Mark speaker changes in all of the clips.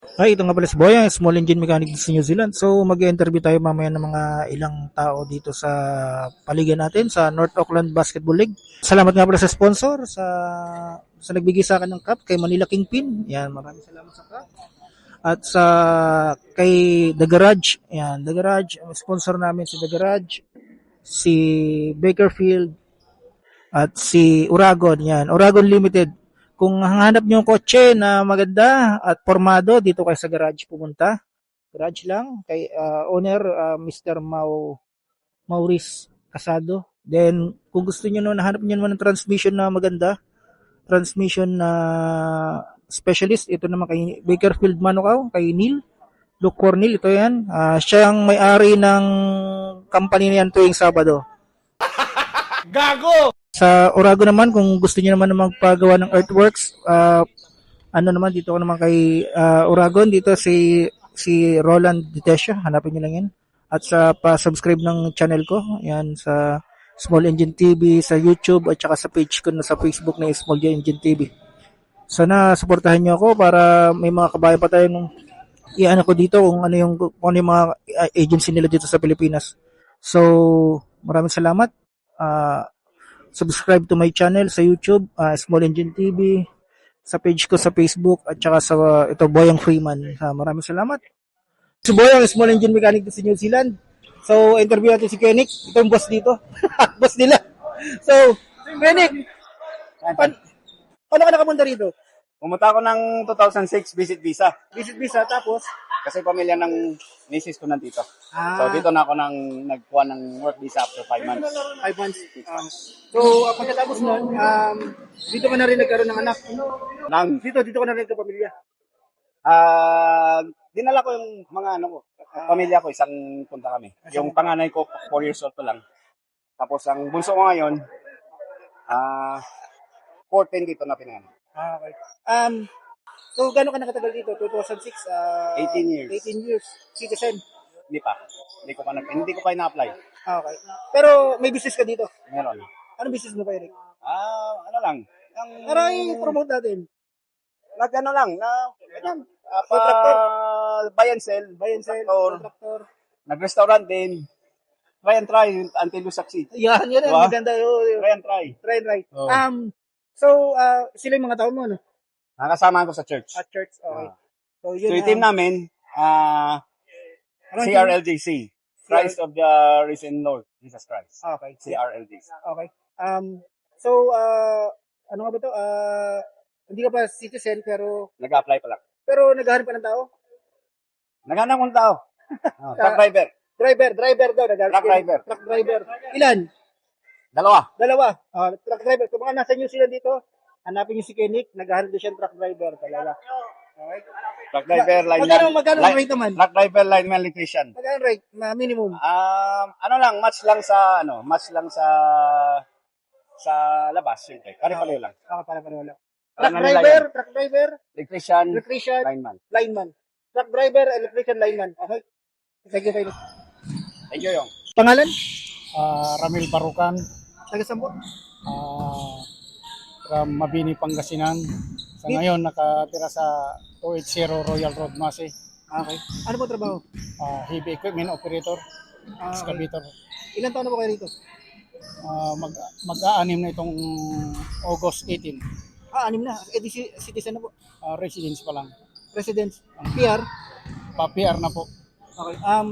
Speaker 1: Ay, ito nga pala si Boyang, small engine mechanic dito sa New Zealand. So, mag-interview tayo mamaya ng mga ilang tao dito sa paligid natin sa North Auckland Basketball League. Salamat nga pala sa sponsor, sa nagbigay sa akin ng cup, kay Manila Kingpin. Yan, maraming salamat sa cup. At sa kay The Garage, yan, The Garage, ang sponsor namin si The Garage, si Bakerfield, at si Uragon, yan. Uragon Limited. Kung hanap niyo yung kotse na maganda at formado, dito kayo sa garage pumunta. Garage lang kay owner Mr. Maurice Casado. Then kung gusto niyo naman hanap niyo naman ng transmission na maganda, transmission na specialist, ito naman kay Bakerfield Manukau, kay Neil Luke Cornell, ito yan. Siya ang may-ari ng company na yan tuwing Sabado.
Speaker 2: Gago!
Speaker 1: Sa Orago naman, kung gusto niyo naman na magpagawa ng earthworks, ano naman, dito ko naman kay Oragon, dito si Roland Ditesha, hanapin niyo lang yan. At sa pa-subscribe ng channel ko, yan sa Small Engine TV, sa YouTube, at saka sa page ko na sa Facebook na Small Engine TV. Sana suportahan niyo ako para may mga kabayan pa tayong iano ko dito kung ano yung mga agency nila dito sa Pilipinas. So, maraming salamat. Subscribe to my channel sa YouTube, Small Engine TV, sa page ko sa Facebook, at saka sa ito Boyang Freeman. Maraming salamat. Si Boyang, Small Engine Mechanic sa New Zealand. So, interview natin si Kenik. Ito yung boss dito. Boss nila. So, Kenik, paano ka nakapunta rito?
Speaker 3: Pumunta ako ng 2006 visit visa
Speaker 1: Visit visa, tapos?
Speaker 3: kasi pamilya ng misis ko nandito.
Speaker 1: Ah.
Speaker 3: So dito na ako nagkuha ng work visa after 5 months.
Speaker 1: 5 months. So, pagkatapos nun, dito ka na rin nagkaroon ng anak. Dito ka na rin kapamilya.
Speaker 3: Dinala ko yung mga pamilya ko, isang punta kami. Yung panganay ko, 4 years old pa lang. Tapos ang bunso ko ngayon, 14 dito na pinanganak.
Speaker 1: Okay. So, gano'n ka nakatagal dito? 2006?
Speaker 3: 18 years.
Speaker 1: 18 years. Citizen?
Speaker 3: Hindi pa. Hindi ko pa ina-apply.
Speaker 1: Okay. Pero may business ka dito?
Speaker 3: Meron.
Speaker 1: Anong business mo pa, Eric?
Speaker 3: Ano lang.
Speaker 1: Para i-promote natin.
Speaker 3: Nag-ano lang, ganyan.
Speaker 1: Contractor?
Speaker 3: Buy and sell.
Speaker 1: Contractor.
Speaker 3: Nag-restaurant din. Try and try until you succeed.
Speaker 1: Yan.
Speaker 3: Diba?
Speaker 1: Maganda.
Speaker 3: Try and try.
Speaker 1: Try and right.
Speaker 3: Oh.
Speaker 1: So, sila yung mga tao mo, no?
Speaker 3: Nakasama ko sa church.
Speaker 1: At church, okay. So,
Speaker 3: So yung team namin, CRLJC. Christ of the Risen Lord, Jesus Christ.
Speaker 1: Okay.
Speaker 3: CRLJC.
Speaker 1: Okay. So, ano nga ba to? Hindi ka pa citizen, pero
Speaker 3: Nag-apply pa lang.
Speaker 1: naghahanap pa ng tao?
Speaker 3: Naghanap ng tao. Truck driver.
Speaker 1: Driver daw. Truck driver. Ilan?
Speaker 3: Dalawa.
Speaker 1: Truck driver. Kung mga nasa New Zealand dito, hanapin niyo si Kenik, naghahanap din siya ng truck driver talaga. Okay.
Speaker 3: Truck driver,
Speaker 1: Magkano ang rate naman?
Speaker 3: Truck driver, lineman, electrician.
Speaker 1: Magkano rate? Minimum.
Speaker 3: Match lang sa labas, siyempre. Pare-pareho lang.
Speaker 1: Para wala.
Speaker 3: Truck
Speaker 1: Truck driver,
Speaker 3: electrician,
Speaker 1: electrician,
Speaker 3: lineman.
Speaker 1: Truck driver, electrician, lineman. Okay. Thank you, Kenik.
Speaker 3: Thank you, Yong.
Speaker 1: Pangalan?
Speaker 4: Ramil Barukan,
Speaker 1: Taga Sambo?
Speaker 4: from Mabini, Pangasinan. Sa ngayon, nakatira sa 280 Royal Road, Masi.
Speaker 1: Okay. Ano po trabaho?
Speaker 4: Heavy equipment operator, excavator.
Speaker 1: Ilan taon na po kayo rito?
Speaker 4: Mag-aanim na itong August 18.
Speaker 1: 6 na. Citizen na po.
Speaker 4: Residence pa lang.
Speaker 1: Residence. PR.
Speaker 4: Pa-PR na po.
Speaker 1: Okay.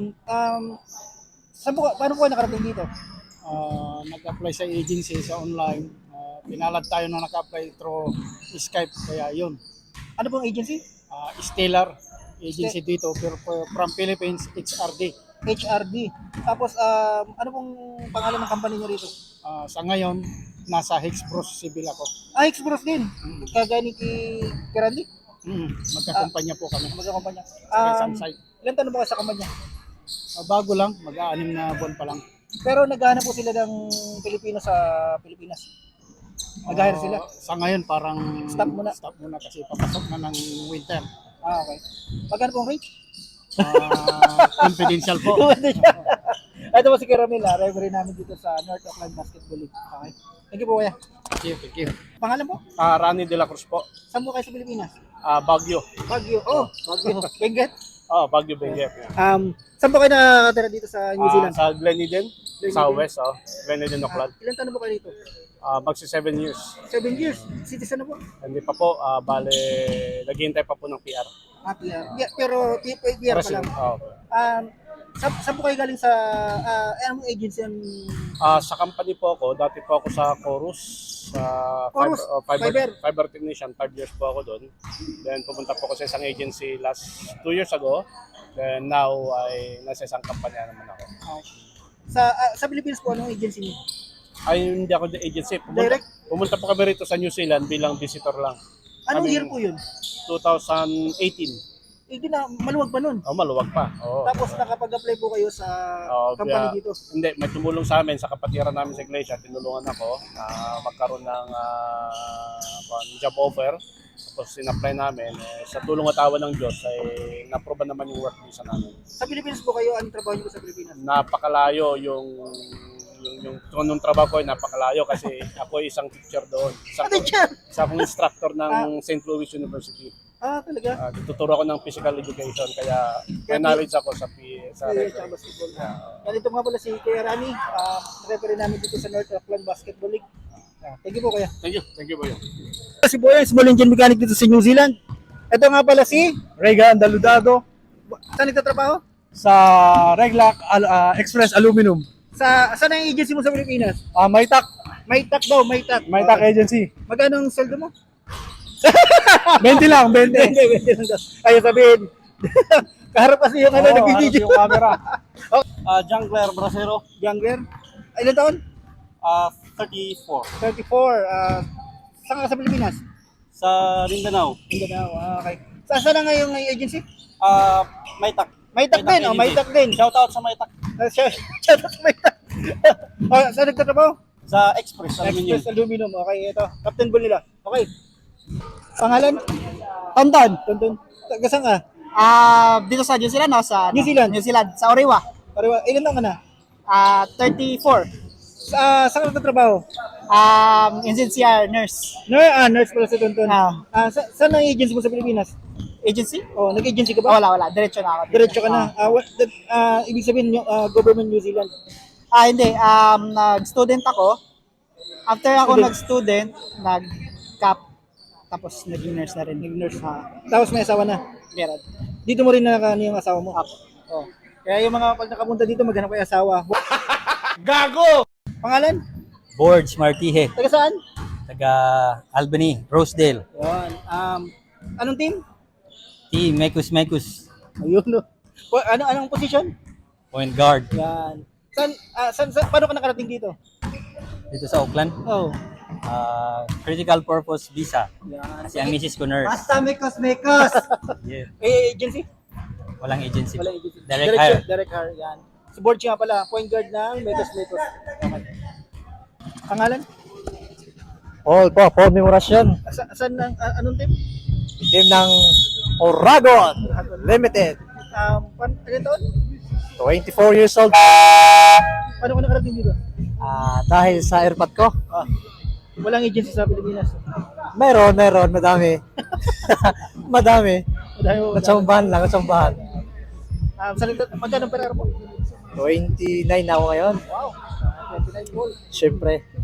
Speaker 1: Paano po kayo nakarating dito?
Speaker 4: Nag-apply sa agency, sa online. Pinalad tayo nung nag-apply through Skype, kaya yun.
Speaker 1: Ano pong agency?
Speaker 4: Stellar agency dito, pero from Philippines, HRD.
Speaker 1: HRD. Tapos, ano pong pangalan ng company nyo rito?
Speaker 4: Sa ngayon, nasa Hexbros Civil ako.
Speaker 1: Express din. Kagaya ni Kirandi?
Speaker 4: Magkakumpanya po kami.
Speaker 1: Magkakumpanya.
Speaker 4: Sa isang site.
Speaker 1: Ilan taon na po kayo sa kumpanya?
Speaker 4: Bago lang, mag-aanim na buwan pa lang.
Speaker 1: Pero naghahanap po sila ng Pilipino sa Pilipinas. Nag-hire sila.
Speaker 4: Sa ngayon, parang
Speaker 1: Stop muna.
Speaker 4: Stop muna kasi papasok na ng winter.
Speaker 1: Okay. Magkano pong rate?
Speaker 4: Confidential po.
Speaker 1: Ito po si Kiramil, referee namin dito sa North Auckland Basketball League. Okay. Thank you po, kuya.
Speaker 4: Thank you.
Speaker 1: Pangalan po?
Speaker 4: Rani de la Cruz po.
Speaker 1: Saan po kayo sa Pilipinas?
Speaker 4: Baguio.
Speaker 1: Baguio. Oh, Baguio. Benguet.
Speaker 4: Baguio, Benguet.
Speaker 1: Saan po kayo nakatira dito sa New Zealand?
Speaker 4: Sa Gleneden, sa West, Gleneden, Auckland.
Speaker 1: Ilan taon na po kayo dito?
Speaker 4: Magsi 7 years.
Speaker 1: 7 years. Citizen na po?
Speaker 4: Hindi pa po, bale, naghihintay pa po ng PR.
Speaker 1: PR. Yeah, pero PR pa lang. Saan po kayo galing sa anong agency ang
Speaker 4: Sa company po ako, dati po ako sa Chorus, sa
Speaker 1: Chorus?
Speaker 4: fiber technician, 5 years po ako doon. Then pumunta po ako sa isang agency last 2 years ago. Then now ay nasa isang kampanya naman ako.
Speaker 1: sa Philippines po anong agency niyo?
Speaker 4: Ay hindi ako the agency.
Speaker 1: Direct?
Speaker 4: Pumunta po kami rito sa New Zealand bilang visitor lang.
Speaker 1: Anong
Speaker 4: Kaming
Speaker 1: year po 'yun?
Speaker 4: 2018.
Speaker 1: Hindi na maluwag pa nun.
Speaker 4: Maluwag pa. Oo.
Speaker 1: Tapos nakapag-apply po kayo sa company dito.
Speaker 4: Hindi, may tumulong sa amin sa kapatiran namin sa iglesia. Tinulungan ako na magkaroon ng job offer. Tapos in-apply namin. Sa tulong at awa ng Diyos ay na-approve naman yung work visa namin.
Speaker 1: Sa Pilipinas po kayo, anong trabaho niyo po sa Pilipinas?
Speaker 4: Napakalayo yung nung trabaho ko ay napakalayo kasi ako ay isang teacher doon. Isa akong instructor ng St. Louis University.
Speaker 1: Talaga?
Speaker 4: Tuturo ako ng physical education kaya may knowledge ako sa referee.
Speaker 1: Basketball. Ganito nga pala si Kuya Rani, referee namin dito sa North Auckland Basketball League. Thank you po Kuya.
Speaker 4: Thank you Boyo.
Speaker 1: Si Boyan, small engine mechanic dito sa New Zealand. Ito nga pala si
Speaker 2: Regan Daludado
Speaker 1: saan nagtatrabaho?
Speaker 2: sa Reglac Express Aluminum.
Speaker 1: Saan ang agency mo sa Pilipinas?
Speaker 2: Maytak
Speaker 1: Maytak.
Speaker 2: Agency.
Speaker 1: Magkano ang sweldo mo?
Speaker 2: 20 lang, 20.
Speaker 1: Hindi lang daw. Ayaw sabihin. Kaharap kasi yung nag-video.
Speaker 2: Yung camera.
Speaker 3: Jungler Brasero,
Speaker 1: Younger. Ilan taon?
Speaker 3: 34.
Speaker 1: 34. Saan ka sa Pilipinas?
Speaker 3: Sa Mindanao,
Speaker 1: Mindanao. Okay. Saan na ngayon ng agency?
Speaker 3: Maytak.
Speaker 1: Maytak din. Maytak din.
Speaker 3: Shoutout sa Maytak.
Speaker 1: Shout out sa Maytak. Saan nagtatrabaho?
Speaker 3: Sa Express Aluminum.
Speaker 1: Express Aluminum. Okay, ito. Captain Bull nila. Okay. Pangalan? Tonton. Taga saan ka?
Speaker 5: Dito sa New Zealand, no? Sa
Speaker 1: New Zealand.
Speaker 5: New Zealand, sa Orewa.
Speaker 1: Parewa. Ilan taon ka na?
Speaker 5: 34.
Speaker 1: Saan ka nagtatrabaho?
Speaker 5: NCR nurse.
Speaker 1: Nurse pala si Tonton. Saan ang agency mo sa Pilipinas?
Speaker 5: Agency?
Speaker 1: Nag-agency ka ba?
Speaker 5: Wala. Diretso na ako.
Speaker 1: Diretso ka na. Ibig sabihin, government New Zealand.
Speaker 5: Hindi. Nag-student ako. After ako nag-student, nag-cap. Tapos naging nurse na rin.
Speaker 1: Nag-nurse. Tapos may asawa na.
Speaker 5: Meron.
Speaker 1: Dito mo rin nakakano yung asawa mo.
Speaker 5: Oh.
Speaker 1: Kaya yung mga pag nakapunta dito, maghanap kayo asawa. Gago! Pangalan?
Speaker 6: Borge Martihe,
Speaker 1: Taga saan?
Speaker 6: taga Albany, Rosedale.
Speaker 1: Yan. Anong team?
Speaker 6: Team Mekus.
Speaker 1: Ayun, no. Anong position?
Speaker 6: Point guard
Speaker 1: Yan. Paano ka nakarating dito?
Speaker 6: dito sa Auckland.
Speaker 1: Oh.
Speaker 6: Critical purpose visa.
Speaker 1: Yan.
Speaker 6: Kasi ang misis ko nurse.
Speaker 5: Basta mekos!
Speaker 6: Yeah.
Speaker 1: Agency?
Speaker 6: Walang agency.
Speaker 1: Wala agency.
Speaker 6: Direct hire.
Speaker 1: Direct hire. Yan. Si Borge nga pala, point guard ng Metos. Okay. Pangalan?
Speaker 2: Paul Memorasyon.
Speaker 1: Saan anong team?
Speaker 2: Team ng Oragon Limited.
Speaker 1: Ilan taon?
Speaker 2: 24 years old.
Speaker 1: Paano ka nakarating dito?
Speaker 2: Dahil sa airpot ko.
Speaker 1: Walang agency sa Pilipinas.
Speaker 2: Meron, madami. Madami.
Speaker 1: Dahil mo.
Speaker 2: Natsambahan.
Speaker 1: Magkano ang pera mo?
Speaker 2: 29 na ako ngayon.
Speaker 1: Wow. 29 goal.
Speaker 2: Siyempre.